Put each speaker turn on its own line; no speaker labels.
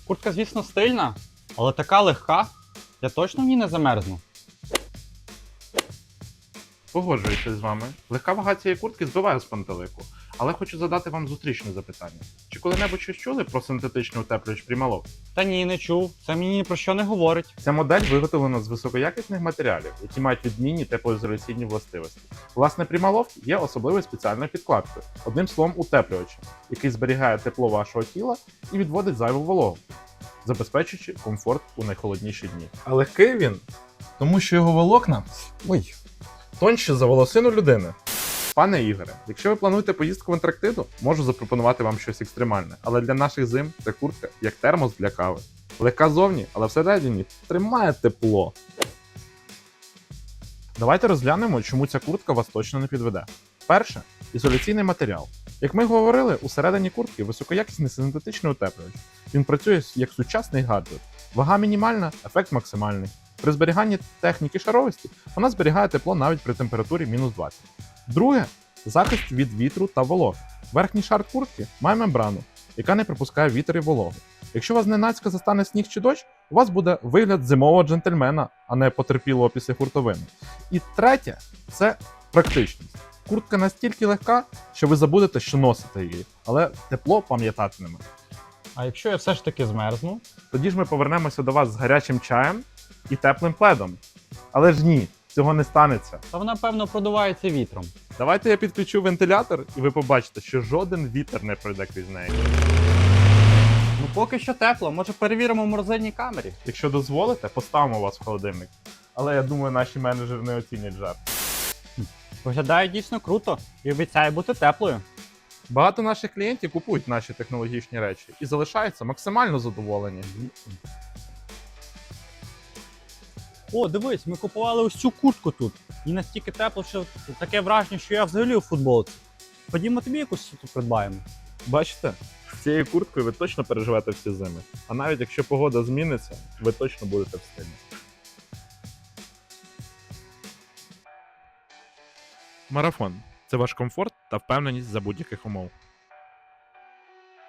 Куртка, звісно, стильна, але така легка. Я точно в ній не замерзну.
Погоджуюся з вами. Легка вага цієї куртки збиває з пантелику. Але хочу задати вам зустрічне запитання. Чи коли-небудь щось чули про синтетичний утеплювач Primaloft?
Та ні, не чув. Це мені ні про що не говорить.
Ця модель виготовлена з високоякісних матеріалів, які мають відмінні теплоізоляційні властивості. Власне, Primaloft є особливою спеціальною підкладкою, одним словом утеплювачем, який зберігає тепло вашого тіла і відводить зайву вологу, забезпечуючи комфорт у найхолодніші дні. А легкий він, тому що його волокна тонші за волосину людини. Пане Ігоре, якщо ви плануєте поїздку в Антарктиду, можу запропонувати вам щось екстремальне, але для наших зим ця куртка як термос для кави. Легка зовні, але всередині тримає тепло. Давайте розглянемо, чому ця куртка вас точно не підведе. Перше – ізоляційний матеріал. Як ми говорили, усередині куртки високоякісний синтетичний утеплювач. Він працює як сучасний гаджет. Вага мінімальна, ефект максимальний. При зберіганні техніки шаровості вона зберігає тепло навіть при температурі мінус 20. Друге – захист від вітру та вологи. Верхній шар куртки має мембрану, яка не пропускає вітер і вологу. Якщо вас зненацька застане сніг чи дощ, у вас буде вигляд зимового джентльмена, а не потерпілого після хуртовини. І третє – це практичність. Куртка настільки легка, що ви забудете, що носите її, але тепло пам'ятатиме.
А якщо я все ж таки змерзну?
Тоді ж ми повернемося до вас з гарячим чаєм і теплим пледом. Але ж ні, цього не станеться.
Та вона, певно, продувається вітром.
Давайте я підключу вентилятор, і ви побачите, що жоден вітер не пройде крізь неї.
Ну поки що тепло, може перевіримо в морозильній камері.
Якщо дозволите, поставимо вас в холодильник. Але я думаю, наші менеджери не оцінять жарт.
Виглядає дійсно круто і обіцяє бути теплою.
Багато наших клієнтів купують наші технологічні речі і залишаються максимально задоволені.
О, дивись, ми купували ось цю куртку тут. І настільки тепло, що таке враження, що я взагалі у футболці. Ходімо тобі якусь тут придбаємо.
Бачите, з цією курткою ви точно переживете всі зими. А навіть якщо погода зміниться, ви точно будете в стилі. Марафон – це ваш комфорт та впевненість за будь-яких умов.